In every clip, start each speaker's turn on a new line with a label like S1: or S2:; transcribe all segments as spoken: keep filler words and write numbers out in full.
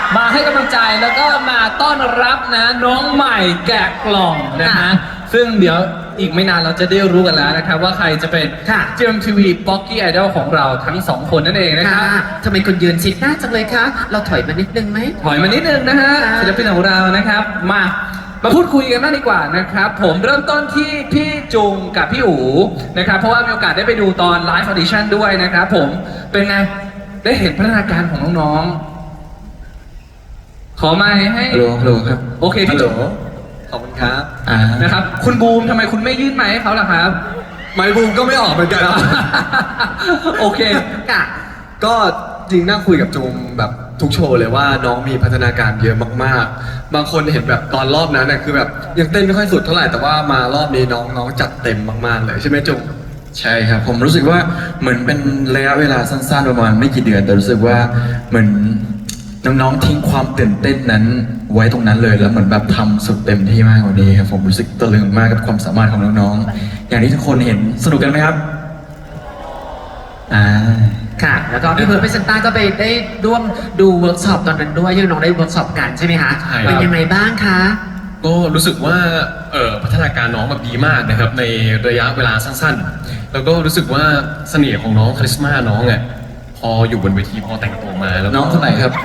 S1: มาให้กำลังใจแล้วก็มาต้อนรับนะน้องใหม่แกะกล่องนะฮะซึ่งเดี๋ยวอีกไม่นานเราจะได้รู้กันแล้วนะครับว่าใครจะเป็น จี เอ็ม ที วี Pocky Idol ของเราทั้งสองคนนั่นเองนะครับ
S2: ทำไมคุณยืนชิดหน้าจังเลยคะเราถอยมานิดนึงไหม
S1: ถอยมานิดนึงนะฮะศิลปินของเรานะครับมามาพูดคุยกันบ้างดีกว่านะครับผมเริ่มต้นที่พี่จุงกับพี่อู๋นะครับเพราะว่ามีโอกาสได้ไปดูตอนไลฟ์ออดิชั่นด้วยนะครับผมเป็นไงได้เห็นพัฒนาการของน้องๆขอไมค์ให้
S3: ฮัลโหลฮัลโหลครับ
S1: โอเคพี่จุง
S3: ขอบคุณครับอ่า
S1: นะครับคุณบูมทำไมคุณไม่ยื่นไมค์ให้เขาล่ะครับ
S3: ไมค์บูมก็ไม่ออกเหมือนกัน
S1: โอเค
S2: ค่ะ
S3: ก็จริงนั่งคุยกับจูมแบบทุกโชว์เลยว่าน้องมีพัฒนาการเยอะมากๆ บางคนเห็นแบบตอนรอบนั้นน่ะคือแบบยังเต้นไม่ค่อยสุดเท่าไหร่แต่ว่ามารอบนี้น้องน้องจัดเต็มมากๆเลยใช่ไหมจูม
S4: ใช่ครับผมรู้สึกว่าเหมือนเป็นระยะเวลาสั้นๆประมาณไม่กี่เดือนแต่รู้สึกว่าเหมือนน้องๆทิ้งความตื่นเต้นนั้นไว้ตรงนั้นเลยแล้วเหมือนแบบทำสุดเต็มที่มากกว่านี้ครับผมรู้สึกตะลึงมากกับความสามารถของน้องๆอย่างที่ทุกคนเห็นสนุกกันไหมครับอ่า
S2: ค่ะ แล้วก็พี่เพิร์ดพี่เซนต้าก็ไปได้ร่วมดูเวิร์กช็อปตอนนั้นด้วยที่น้องได้เวิร์กช็อปกันใช่ไหมคะ
S5: ใช่ครับ
S2: เป็นยังไงบ้างคะ
S5: ก็รู้สึกว่าเอ่อพัฒนาการน้องแบบดีมากนะครับในระยะเวลาสั้นๆ แล้วก็รู้สึกว่าเสน่ห์ของน้องคาริสมาน้องอ่ะพออยู่บนเวทีพอแต่งตัวมาแล้ว
S4: น้องคนไหนครับ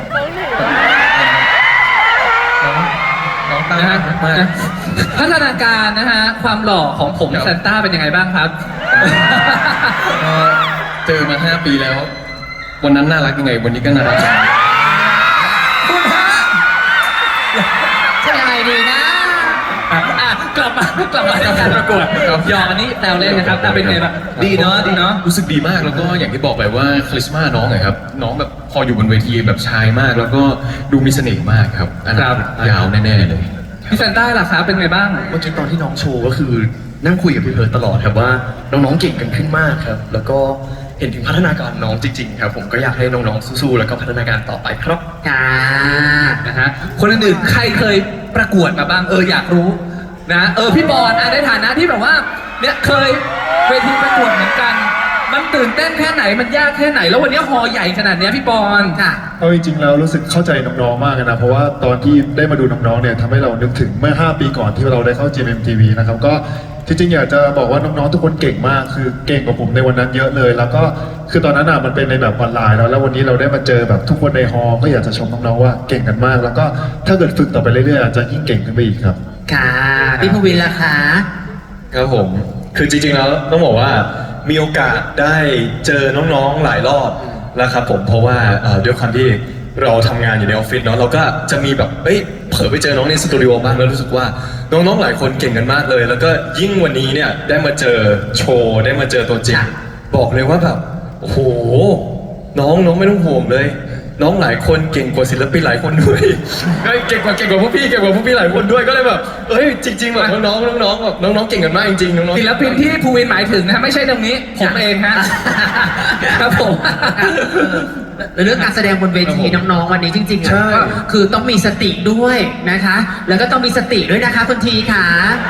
S3: น้องตั้ง
S1: นะฮะ
S3: มาก
S1: พัฒนาการนะฮะความหล่อของผมซานต้าเป็นยังไงบ้างครับ
S5: ก็เจอมาห้าปีแล้ว วันนั้นน่ารักยังไงวันนี้ก็น่ารัก
S1: คุณฮะ
S2: จะยังไงดีนะ
S1: อ่ะอ่ะกลับมากลับมาในการประกวดหยอกอันนี้แซวเล่นนะครับแต่เป็นไงบ้างดีเนาะดีเนาะ
S5: รู้สึกดีมากแล้วก็อย่างที่บอกไปว่าคาริสมาน้องอะครับน้องแบบพออยู่บนเวทีแบบชายมาก แล้วก็ดูมีเสน่ห์มากครับอนาคตยาวแน่ๆเลย
S1: พี่ซานต้าล่ะครับเป็นไงบ้าง
S6: เมื่อกี้ตอนที่น้องโชว์ก็คือนั่งคุยกับพี่เพิร์ดตลอดครับว่าน้องๆเก่งกันขึ้นมากครับ แล้วก็เห็นถึงพัฒนาการน้องจริงๆครับผมก็อยากให้น้องๆสู้ๆแล้วก็พัฒนาการต่อไปครับ
S2: ค่ะ
S1: นะฮะคนอื่นๆใครเคยประกวดมาบ้างเอออยากรู้นะเออพี่บอลอ่ะในฐานะที่แบบว่าเนี่ยเคยเวทีประกวดเหมือนกัน มันตื่นเต้นแค่ไหนมันยากแค่ไหน แล้ววันนี้ฮอใหญ่ขนาดเนี้ยพี่บอล
S2: ค่ะ
S7: เอาจริงๆแล้วรู้สึกเข้าใจน้องๆมากเลยนะเพราะว่าตอนที่ได้มาดูน้องๆเนี่ยทำให้เรานึกถึงเมื่อห้าปีก่อนที่เราได้เข้า จี เอ็ม ที วี นะครับก็ที่จริงอยากจะบอกว่าน้องๆทุกคนเก่งมากคือเก่งกว่าผมในวันนั้นเยอะเลย แล้วก็คือตอนนั้นอ่ะมันเป็นในแบบออนไลน์แล้วแล้ววันนี้เราได้มาเจอแบบทุกคนในฮอลล์ก็อยากจะชมน้องๆว่าเก่งกันมาก แล้วก็ถ้าเกิดฝึกต่อไปเรื่อยๆอาจจะยิ่งเก่งขึ้นไปอีกครับ
S2: ค่ะ พี่ภูวินล่ะคะ
S8: ครับผม คือจริงๆแล้วต้องบอกว่ามีโอกาสได้เจอน้องๆหลายรอบแล้วครับผม เพราะว่าเอ่อด้วยความที่เราทำงานอยู่ในออฟฟิศเนาะเราก็จะมีแบบเอ้ยเผลอไปเจอน้องในสตูดิโอบ้างแล้วรู้สึกว่าน้องๆหลายคนเก่งกันมากเลย แล้วก็ยิ่งวันนี้เนี่ยได้มาเจอโชว์ได้มาเจอตัวจริง
S2: ค่ะ
S8: บอกเลยว่าแบบโอ้โหน้องน้องไม่ต้องห่วงเลย น้องหลายคนเก่งกว่าศิลปินหลายคนด้วย เฮ้ยเก่งกว่าเก่งกว่าพวกพี่เก่งกว่าพวกพี่หลายคนด้วยก็เลยแบบเอ้ยจริงๆแบบน้องๆน้องๆแบบน้องๆเก่งกันมากจริงๆน้องๆ
S1: ศิลปินที่ภูวินหมายถึงนะไม่ใช่ตรงนี้ผมเองฮะครับผม
S2: เรื่องการแสดงบนเวทีน้องๆวันนี้จริงๆอ่ะ
S8: ใช่
S2: ก็คือต้องมีสติด้วยนะคะ แล้วก็ต้องมีสติด้วยนะคะคุณทีค่ะ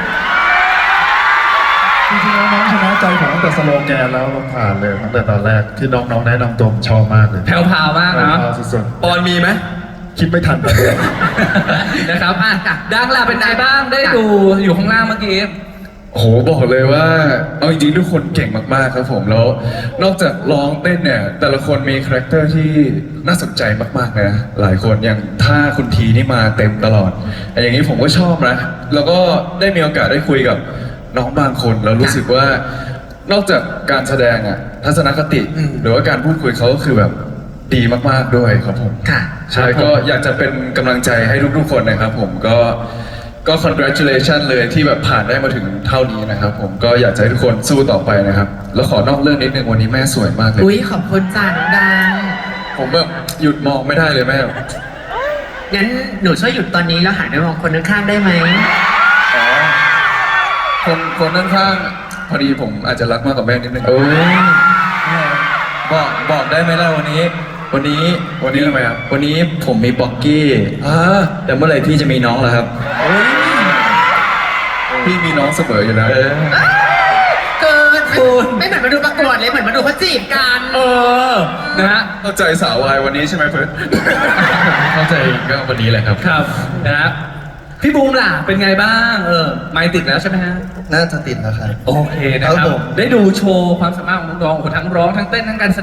S7: จริงๆแล้วน้องชนะใจผมตั้งแต่สโลแกนแล้วเราผ่านเลยตั้งแต่ตอนแรกที่น้องๆแนะนำตัวผมชอบมากเลย
S1: แผ่วพราวมากเนาะ
S7: แผ่วพราวสุด
S8: ปอนมีไหม
S7: ๆคิดไม่ทันเลย
S1: นะครับอ่ะดังล่ะเป็นไงบ้างได้ดูอยู่ข้างล่างเมื่อกี้
S4: โอ้โหบอกเลยว่าเอาจริงๆทุกคนเก่งมากๆครับผมแล้วนอกจากร้องเต้นเนี่ยแต่ละคนมีคาแรคเตอร์ที่น่าสนใจมากๆนะหลายคนอย่างถ้าคุณทีนี่มาเต็มตลอดแต่อย่างนี้ผมก็ชอบนะแล้วก็ได้มีโอกาสได้คุยกับน้องบางคนแล้วรู้สึกว่านอกจากการแสดงอะทัศนคติ
S2: อืม
S4: หรือว่าการพูดคุยเขาก็คือแบบดีมากๆด้วยครับผม
S2: ค่ะ
S4: ใช่ก็อยากจะเป็นกำลังใจให้ทุกๆคนนะครับผมก็ก็ congratulation เลยที่แบบผ่านได้มาถึงเท่านี้นะครับผมก็อยากจะให้ทุกคนสู้ต่อไปนะครับ แล้วขอนอกเรื่องนิดนึงวันนี้แม่สวยมากเลย
S2: อุ้ยขอบคุณจ้าน้องดัง
S4: ผมแบบหยุดมองไม่ได้เลยแม่
S2: งั้นหนูช่วยหยุดตอนนี้แล้วหันไปมองคนข้างๆได้ไหม
S4: อ๋อคนคนข้างๆพอดีผมอาจจะรักมากกว่าแม่นิดนึง
S3: โอ้ย
S4: บอกบอกได้ไหมล่ะวันนี้ วันนี้วันนี้ทำไมครับวันนี้ผมมีบ็อกกี้อ่าแต่เมื่อไหร่พี่จะมีน้องล่ะครับพี่มีน้องเสมออยู่แล้ว
S2: เกินไม่เหมือนมาดูประกวดเลยเหมือนมาดูเขาจีบกัน
S1: เออนะฮะ
S4: เข้าใจสาววายวันนี้ใช่ไหมเฟิร์ส
S1: ค
S5: เข้าใจก็วันนี้แหละครับ
S1: ครับนะฮะพี่บูมล่ะเป็นไงบ้างเออไมค์ติดแล้วใช่ไหมฮะ
S9: น่าจะติดแล้วครับ
S1: โอเคนะค
S9: ครั
S1: รับบ
S9: ผม
S1: ได้ดูโชว์ความสามารถของน้องๆโอ้โหทั้งร้องทั้งเต้นทั้งการแสดง